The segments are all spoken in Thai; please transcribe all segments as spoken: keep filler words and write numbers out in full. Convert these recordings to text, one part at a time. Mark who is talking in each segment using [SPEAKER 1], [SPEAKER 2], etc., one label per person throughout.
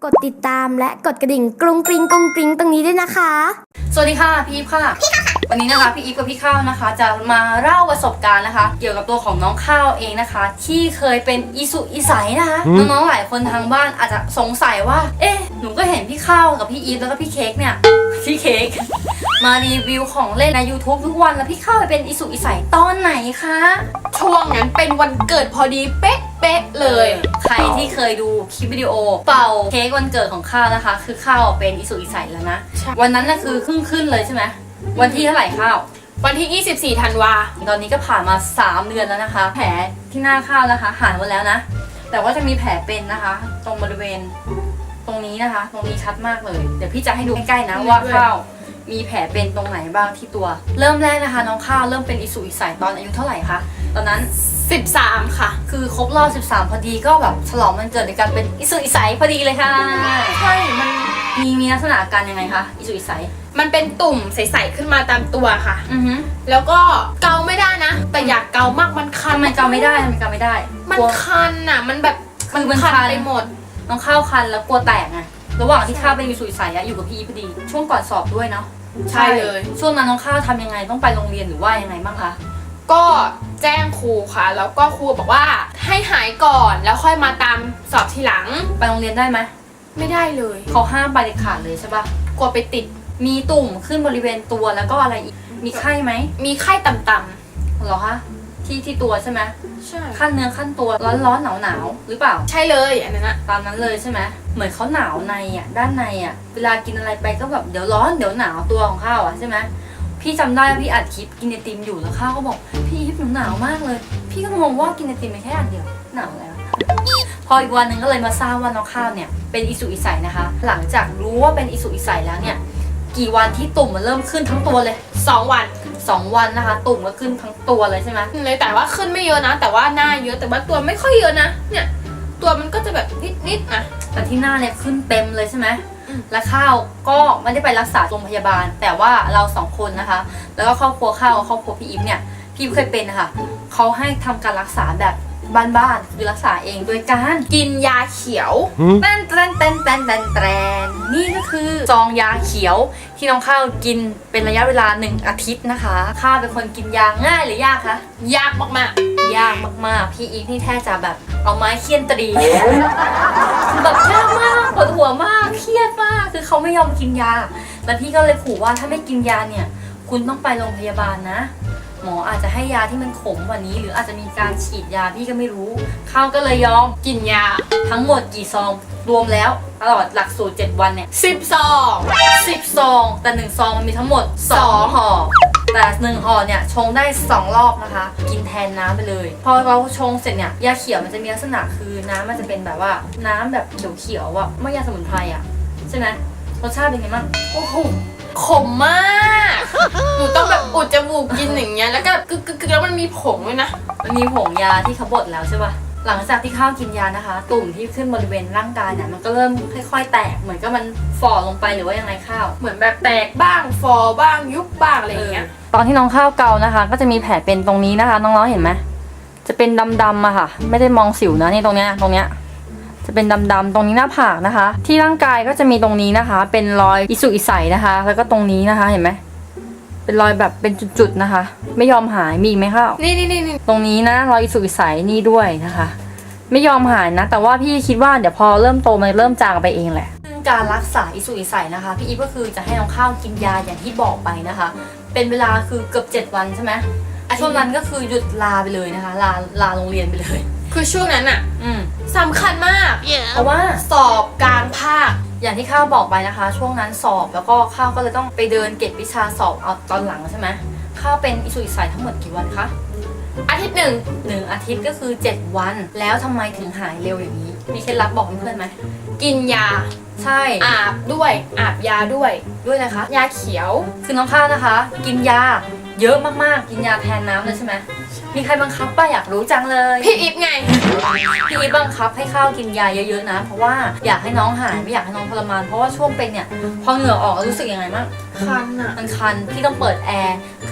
[SPEAKER 1] กดติดตามและกดกระดิ่งกรุงกริงกรุงกริงตรงนี้ด้วยนะคะ
[SPEAKER 2] สวัสดีค่ะพี่อีฟค่ะพี่ข้าวค่ะวันนี้นะคะพี่อีฟกับพี่ข้าวนะคะจะมาเล่าประสบการณ์นะคะเกี่ยวกับตัวของน้องข้าวเองนะคะที่เคยเป็นอิสุอิสัยนะคะน้องๆหลายคนทางบ้านอาจจะสงสัยว่าเอ๊ะหนูก็เห็นพี่ข้าวกับพี่อีฟแล้วก็พี่เค้กเนี่ยพี่เค้กมารีวิวของเล่นใน ยูทูบ ทุกวันแล้วพี่ข้าวไปเป็นอิสุอิสัยตอนไหนคะ
[SPEAKER 3] ช่วงนั้นเป็นวันเกิดพอดีเป๊ะเป๊ะเลย
[SPEAKER 2] ใครที่เคยดูคลิปวิดีโอเป่าเค้กวันเกิดของข้าวนะคะคือข้าวเป็นอิสุอิสัยแล้วนะวันนั้นน่ะคือขึ้นขึ้นเลยใช่ไหมวันที่เท่าไหร่ข้าว
[SPEAKER 3] วันที่ยี่สิบสี่ธันวา
[SPEAKER 2] ตอนนี้ก็ผ่านมาสามเดือนแล้วนะคะแผลที่หน้าข้าวนะคะหายหมดแล้วนะแต่ว่าจะมีแผลเป็นนะคะตรงบริเวณตรงนี้นะคะตรงนี้ชัดมากเลยเดี๋ยวพี่จะให้ดูใกล้ๆนะว่าข้าวมีแผลเป็นตรงไหนบ้างที่ตัวเริ่มแรกนะคะน้องข้าวเริ่มเป็นอิสุอิสัยตอนอายุเท่าไหร่คะตอนนั้น
[SPEAKER 3] สิบสามค่ะ
[SPEAKER 2] คือครบรอบสิบสามพอดีก็แบบฉลองวันเกิดในการเป็นอิสุอิสัยพอดีเลยค่ะ
[SPEAKER 3] ใช่มัน
[SPEAKER 2] มีมีลักษณะอาการยังไงคะอิสุอิสัย
[SPEAKER 3] มันเป็นตุ่มใสๆขึ้นมาตามตัวค่ะ
[SPEAKER 2] อือฮึ
[SPEAKER 3] แล้วก็เกาไม่ได้นะแต่อยากเกามากมันคัน
[SPEAKER 2] มันเกาไม่ได้มันเกาไม่ได้
[SPEAKER 3] มันคันอ่ะมันแบบ
[SPEAKER 2] มัน
[SPEAKER 3] คันไปหมด
[SPEAKER 2] น้องข้าวคันแล้วกลัวแตกไงระหว่างที่ข้าวเป็นอิสุอิสัยอยู่กับพี่พอดีช่วงก่อนสอบด้วยเนาะ
[SPEAKER 3] ใช่เลย
[SPEAKER 2] ช่วงนั้นน้องข้าวทำยังไงต้องไปโรงเรียนหรือว่ายังไงบ้างคะ
[SPEAKER 3] ก็แจ้งครูค่ะแล้วก็ครูบอกว่าให้หายก่อนแล้วค่อยมาตามสอบทีหลัง
[SPEAKER 2] ไปโรงเรียนได้ไหม
[SPEAKER 3] ไม่ได้เลย
[SPEAKER 2] เขาห้ามไปเด็ดขาดเลยใช่ปะ
[SPEAKER 3] กลัวไปติด
[SPEAKER 2] มีตุ่มขึ้นบริเวณตัวแล้วก็อะไรอีกมีไข้ไหม
[SPEAKER 3] มีไข้ต่ำ
[SPEAKER 2] ๆเหรอคะที่ที่ตัวใช่ไหม
[SPEAKER 3] ใช่
[SPEAKER 2] ขั้นเนื้อขั้นตัวร้อนร้อนหนาวหนาวหรือเปล่า
[SPEAKER 3] ใช่เลยอันนั้นอะ
[SPEAKER 2] ตามนั้นเลยใช่ไหมเหมือนเขาหนาวในอ่ะด้านในอ่ะเวลากินอะไรไปก็แบบเดี๋ยวร้อนเดี๋ยวหนาวตัวของข้าวอ่ะใช่ไหมพี่จำได้ว่าพี่อัดคลิปกินไอติมอยู่แล้วข้าวก็บอกพี่ยิบหนูหนาวมากเลยพี่ก็งงว่ากินไอติมไปแค่อันเดียวหนาวแล้วพออีกวันหนึ่งก็เลยมาทราบว่าน้องข้าวเนี่ยเป็นอิสุอิสัยนะคะหลังจากรู้ว่าเป็นอิสุอิสัยแล้วเนี่ยกี่วันที่ตุ่มมันเริ่มขึ้นทั้งตัวเลย
[SPEAKER 3] สองวัน
[SPEAKER 2] สองวันนะคะตุ่มก็ขึ้นทั้งตัวเลยใช่ไหม
[SPEAKER 3] เลยแต่ว่าขึ้นไม่เยอะนะแต่ว่าหน้าเยอะแต่ว่าตัวไม่ค่อยเยอะนะเนี่ยตัวมันก็จะแบบนิดๆนะ
[SPEAKER 2] แต่ที่หน้าเนี่ยขึ้นเต็มเลยใช่ไหมและข้าวก็ไม่ได้ไปรักษาโรงพยาบาลแต่ว่าเราสองคนนะคะแล้วก็ครอบครัวข้าวครอบครัวพี่อิฟเนี่ยพี่เคยเป็นนะคะเขาให้ทำการรักษาแบบบ้านๆคือรักษาเองโดยการ
[SPEAKER 3] กินยาเขียว
[SPEAKER 2] แตนแตนแตนแตนแตนแตนนี่ก็คือซองยาเขียวที่น้องข้าวกินเป็นระยะเวลาหนึ่งอาทิตย์นะคะข้าวเป็นคนกินยาง่ายหรือยากคะ
[SPEAKER 3] ยากมาก
[SPEAKER 2] ๆยากมากๆพี่อีฟนี่แทบจะแบบเอาไม้เคี่ยนตรีแบบยากมากปวดหัวมากเครียดมากคือเขาไม่ยอมกินยาแล้วพี่ก็เลยขู่ว่าถ้าไม่กินยาเนี่ยคุณต้องไปโรงพยาบาลนะหมออาจจะให้ยาที่มันขมกว่านี้หรืออาจจะมีการฉีดยาพี่ก็ไม่รู้ข้าวก็เลยยอม
[SPEAKER 3] กินยา
[SPEAKER 2] ทั้งหมดกี่ซองรวมแล้วตลอดหลักสูตรเจ็ดวันเนี่ย
[SPEAKER 3] สิบซอง
[SPEAKER 2] สิบซองแต่หนึ่งซองมันมีทั้งหมดสองห่อแต่หนึ่งห่อเนี่ยชงได้สองรอบนะคะกินแทนน้ำไปเลยพอเราชงเสร็จเนี่ยยาเขียวมันจะมีลักษณะคือน้ำมันจะเป็นแบบว่าน้ำแบบเขียวๆอ่ะไม่ยาสมุนไพรอ่ะใช่ไหมรสชาติเป็นไงบ้าง
[SPEAKER 3] โอ้โหขมมากหนูต้องแบบอุดจมูกกินอย่างเงี้ยแล้วก็กึกกึกแล้วมันมีผงด้วยนะ
[SPEAKER 2] มันมีผงยาที่เขาบดแล้วใช่ป่ะหลังจากที่ข้าวกินยานะคะตุ่มที่ขึ้นบริเวณร่างกายเนี่ยมันก็เริ่มค่อยๆแตกเหมือนก็มันฝ่อลงไปหรือว่ายังไงข้าว
[SPEAKER 3] เหมือนแบบแตกบ้างฟอบ้างยุบบ้างอะไรอย่างเงี้ย
[SPEAKER 2] ตอนที่น้องข้าวเกานะคะก็จะมีแผลเป็นตรงนี้นะคะน้องๆเห็นไหมจะเป็นดำๆอะค่ะไม่ได้มองสิวนะนี่ตรงเนี้ยตรงเนี้ยจะเป็นดำๆตรงนี้หน้าผากนะคะที่ร่างกายก็จะมีตรงนี้นะคะเป็นรอยอิสุอิสัยนะคะแล้วก็ตรงนี้นะคะเห็นไหมเป็นรอยแบบเป็นจุดๆนะคะไม่ยอมหายมีอีกไหมข้าว
[SPEAKER 3] นี่นี่นี่
[SPEAKER 2] ตรงนี้นะรอยอิสุอิสัยนี่ด้วยนะคะไม่ยอมหายนะแต่ว่าพี่คิดว่าเดี๋ยวพอเริ่มโตมันเริ่มจางไปเองแหละซึ่งการรักษาอิสุอิสัยนะคะพี่อีฟก็คือจะให้น้องข้าวกินยาอย่างที่บอกไปนะคะเป็นเวลาคือเกือบเจ็ดวันใช่ไหมช่วงนั้นก็คือหยุดลาไปเลยนะคะลาลาโรงเรียนไปเลย
[SPEAKER 3] คือช่วงนั้นอ่ะสำคัญมาก
[SPEAKER 2] yeah. เพราะว่า
[SPEAKER 3] สอบกลางภาค
[SPEAKER 2] อย่างที่ข้าวบอกไปนะคะช่วงนั้นสอบแล้วก็ข้าวก็เลยต้องไปเดินเก็บวิชาสอบเอาตอนหลังใช่ไหมข้าวเป็นอิสุอิสัยทั้งหมดกี่วันคะ
[SPEAKER 3] อาทิตย์หนึ่ง
[SPEAKER 2] หนึ่งอาทิตย์ก็คือเจ็ดวันแล้วทำไมถึงหายเร็วอย่างนี้มีเคล็ดลับบอกเพื่อนๆไหม
[SPEAKER 3] กินยา
[SPEAKER 2] ใช่
[SPEAKER 3] อาบด้วยอาบยาด้วย
[SPEAKER 2] ด้วยนะคะ
[SPEAKER 3] ยาเขียว
[SPEAKER 2] คือน้องข้าวนะคะกินยาเยอะมากๆกินยาแทนน้ำเลยใช่ไหมมีใครบังคับป่ะอยากรู้จังเลย
[SPEAKER 3] พี่อิฟไง
[SPEAKER 2] พี่อิฟบังคับให้ข้าวกินยาเยอะๆนะเพราะว่าอยากให้น้องหายไม่อยากให้น้องทรมานเพราะว่าช่วงเป็นเนี่ยพอเหงื่อออกรู้สึกยังไงบ้าง
[SPEAKER 3] คันอ่ะ
[SPEAKER 2] มันคันพี่ต้องเปิดแอร์คือ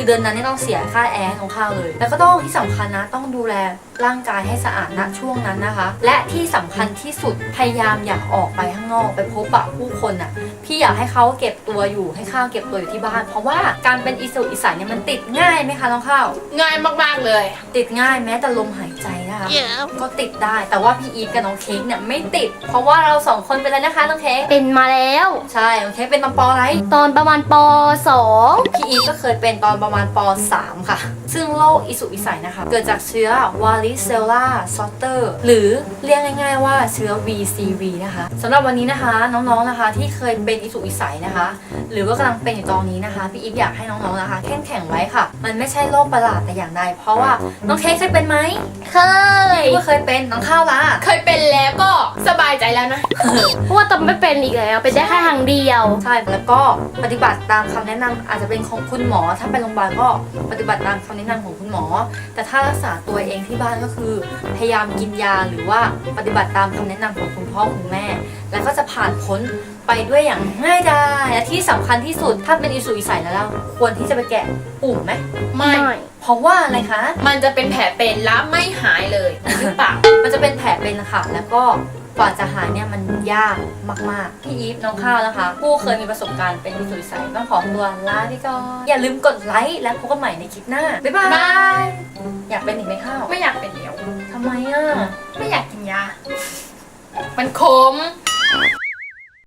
[SPEAKER 2] คือเดือนนั้นเนี่ยต้องเสียค่าแอร์ให้น้องข้าวเลย แล้วก็ต้องที่สำคัญนะต้องดูแลร่างกายให้สะอาดณช่วงนั้นนะคะ และที่สำคัญที่สุดพยายามอย่าออกไปข้างนอกไปพบปะผู้คนอ่ะพี่อยากให้เขาเก็บตัวอยู่ให้ข้าวเก็บตัวอยู่ที่บ้าน เพราะว่าการเป็นอิสุกอิสัยเนี่ยมันติดง่ายไหมคะน้องข้าว
[SPEAKER 3] ง่ายมากๆเลย
[SPEAKER 2] ติดง่ายแม้แต่ลมหายใจนะคะ ก็ติดได้แต่ว่าพี่อีฟกับน้องเค้กเนี่ยไม่ติด เพราะว่าเราสองคนเป็นอะไรนะคะน้องเค้ก
[SPEAKER 1] เป็นมาแล้ว
[SPEAKER 2] ใช่น้องเค้กเป็นตอนปออะไร
[SPEAKER 1] ตอนประมาณปสอง
[SPEAKER 2] พี่อีฟก็เคยเป็นตอนประมาณปสามค่ะ ซึ่งโรคอิสุกอิสัยนะคะเกิดจากเชื้อวาริเซลลาซอตเตอร์หรือเรียกง่ายๆว่าเชื้อ วี ซี วี นะคะสำหรับวันนี้นะคะน้องๆนะคะที่เคยเป็นอิสุกอิสัยนะคะ หรือว่ากำลังเป็นอยู่ตอนนี้นะคะพี่อีฟอยากให้น้องๆนะคะเข้มแข็งไว้ค่ะ มันไม่ใช่โรคประหลาดแต่อย่างใดเพราะว่าน้องเค้กเคยเป็นไหม
[SPEAKER 1] เคย
[SPEAKER 2] พี่ก็เคยเป็นน้องข้าวละ
[SPEAKER 3] เคยเป็นแล้วก็สบายใจแล้วนะ
[SPEAKER 1] เพราะว่าตอนไม่เป็นอีกแล้วเป็นได้แค่ครั้งเดียว
[SPEAKER 2] ใช่แล้วก็ปฏิบัติตามคำแนะนำอาจจะเป็นของคุณหมอถ้าไปโรงพยาบาลก็ปฏิบัติตามคำแนะนำของคุณหมอ แต่ถ้ารักษาตัวเองที่บ้านก็คือพยายามกินยาหรือว่าปฏิบัติตามคำแนะนำของคุณพ่อคุณแม่ แล้วก็จะผ่านพ้นไปด้วยอย่างง่ายดายและที่สำคัญที่สุดถ้าเป็นอิสุกอิสัยแล้วเราควรที่จะไปแกะปุ่มไหม
[SPEAKER 3] ไม่
[SPEAKER 1] ไม่
[SPEAKER 2] เพราะว่าอะไรคะ
[SPEAKER 3] มันจะเป็นแผลเป็นแล้วไม่หายเลยหรือเปล่า
[SPEAKER 2] มันจะเป็นแผลเป็นค่ะแล้วก็กว่าจะหายเนี่ยมันยากมากๆพี่อีฟน้องข้าวนะคะ ผู้เคยมีประสบการณ์เป็นอิสุกอิสัยต้องขอตัวลาไปก่อนอย่าลืมกดไลค์และพบกันใหม่ในคลิปหน้าบ๊ายบาย
[SPEAKER 3] บาย
[SPEAKER 2] อยากเป็นอีกไหมข้าว
[SPEAKER 3] ไม่อยากเป็นแล้ว
[SPEAKER 2] ทำไมอ่ะ
[SPEAKER 3] ไม่อยากกินยา มันขม